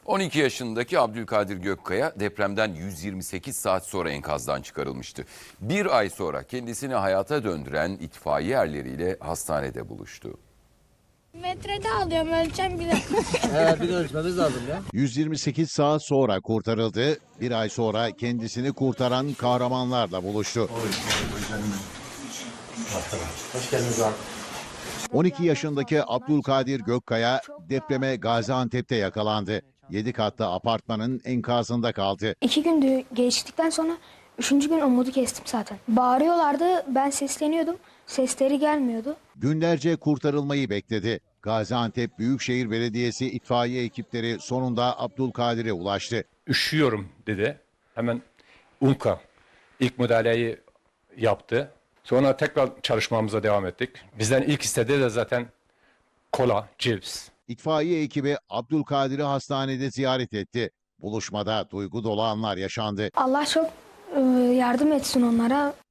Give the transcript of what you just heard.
12 yaşındaki Abdülkadir Gökkaya depremden 128 saat sonra enkazdan çıkarılmıştı. Bir ay sonra kendisini hayata döndüren itfaiye erleriyle hastanede buluştu. Metrede alıyorum, ölçeceğim bir de. Bir de ölçmemiz lazım ya. 128 saat sonra kurtarıldı. Bir ay sonra kendisini kurtaran kahramanlarla buluştu. Hoş geldiniz abi. 12 yaşındaki Abdülkadir Gökkaya depreme Gaziantep'te yakalandı. 7 katlı apartmanın enkazında kaldı. 2 gün geçtikten sonra 3. gün umudu kestim zaten. Bağırıyorlardı, ben sesleniyordum. Sesleri gelmiyordu. Günlerce kurtarılmayı bekledi. Gaziantep Büyükşehir Belediyesi itfaiye ekipleri sonunda Abdülkadir'e ulaştı. Üşüyorum dedi. Hemen UNKA ilk müdahaleyi yaptı. Sonra tekrar çalışmamıza devam ettik. Bizden ilk istediği de zaten kola, cips. İtfaiye ekibi Abdülkadir'i hastanede ziyaret etti. Buluşmada duygu dolu anlar yaşandı. Allah çok yardım etsin onlara.